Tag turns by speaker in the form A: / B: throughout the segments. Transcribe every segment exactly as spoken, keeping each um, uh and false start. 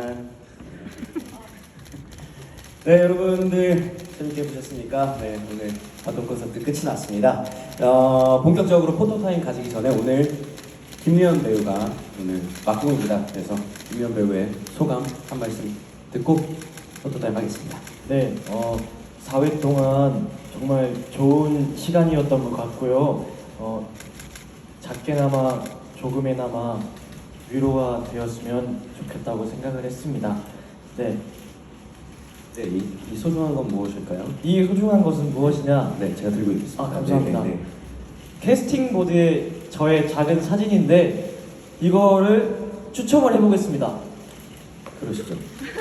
A: 짠. 네, 여러분들 재밌게 보셨습니까? 네, 오늘 바톤 콘서트 끝이 났습니다. 어, 본격적으로 포토타임 가지기 전에 오늘 김미연 배우가 오늘 막공입니다. 그래서 김미연 배우의 소감 한 말씀 듣고 포토타임 하겠습니다.
B: 네, 어, 사 회 동안 정말 좋은 시간이었던 것 같고요. 어, 작게나마 조금이나마 위로가 되었으면 좋겠다고 생각을 했습니다. 네,
A: 네, 이, 이 소중한 건 무엇일까요?
B: 이 소중한 것은 무엇이냐?
A: 네, 제가 들고 있겠습니다.
B: 아, 감사합니다.
A: 네, 네, 네.
B: 캐스팅 보드에 저의 작은 사진인데 이거를 추첨을 해보겠습니다.
A: 그러시죠.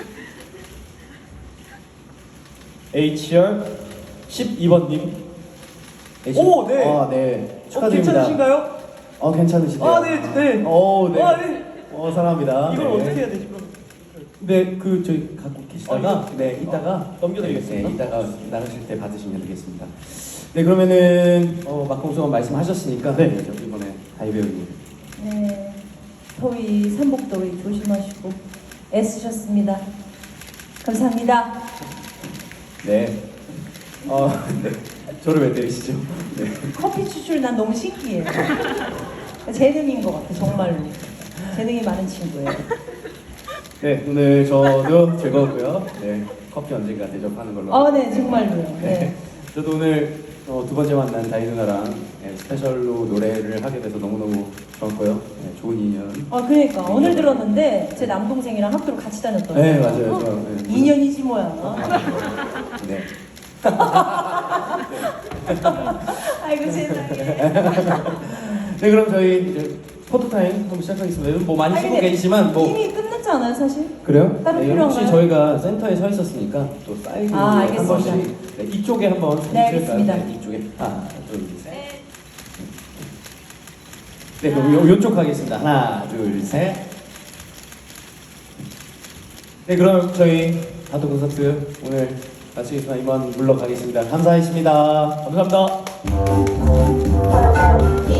B: 에이치알 십이 번님. 오, 네.
A: 아, 네.
B: 어,
A: 축하드립니다.
B: 괜찮으신가요?
A: 어, 괜찮으시대요.
B: 아, 네, 네.
A: 오, 네.
B: 아, 네.
A: 어, 사랑합니다.
B: 이걸
A: 네.
B: 어떻게 해야 되지? 그럼
A: 네, 그 저희 갖고 계시다가
B: 어, 이거?
A: 네, 이따가
B: 어, 넘겨드리겠습니다.
A: 네, 이따가 나가실 때 받으시면 되겠습니다. 네, 그러면은 어, 막공소감 말씀하셨으니까 네, 저 이번에 다이 배우님.
C: 네, 더위, 삼복더위 조심하시고 애쓰셨습니다. 감사합니다.
A: 네. 어, 네. 저를 왜 때리시죠? 네.
C: 커피 추출 난 너무 신기해요. 재능인 것 같아, 정말로. 재능이 많은 친구예요.
A: 네, 오늘 저도 즐거웠고요. 네, 커피 언젠가 대접하는 걸로.
C: 아, 네, 정말로요.
A: 네.
C: 네.
A: 저도 오늘 어, 두 번째 만난 다이 누나랑 네, 스페셜로 노래를 하게 돼서 너무너무 좋았고요. 네, 좋은 인연.
C: 아, 그러니까 오늘 들었는데 제 남동생이랑 학교를 같이 다녔더라고요.
A: 네, 맞아요. 저, 네.
C: 인연이지 뭐야.
A: 네.
C: 아이고 세상에.
A: 네, 그럼 저희 이제 포토타임 한번 시작하겠습니다. 뭐 많이
C: 아니,
A: 쓰고
C: 근데
A: 계시지만 뭐
C: 이미 끝났지 않아요, 사실?
A: 그래요?
C: 따로
A: 네,
C: 필요한가요?
A: 혹시 저희가 센터에 서 있었으니까 또 사이드
C: 아,
A: 한
C: 알겠습니다.
A: 번씩 네, 이쪽에 한번 사진
C: 네,
A: 찍을까요?
C: 알겠습니다.
A: 네, 이쪽에 하나, 둘, 셋. 네, 그럼 요, 요쪽 하겠습니다. 하나, 둘, 셋. 네, 그럼 저희 바토 콘서트 오늘 마치겠습니다. 이만 물러가겠습니다. 감사했습니다.
B: 감사합니다.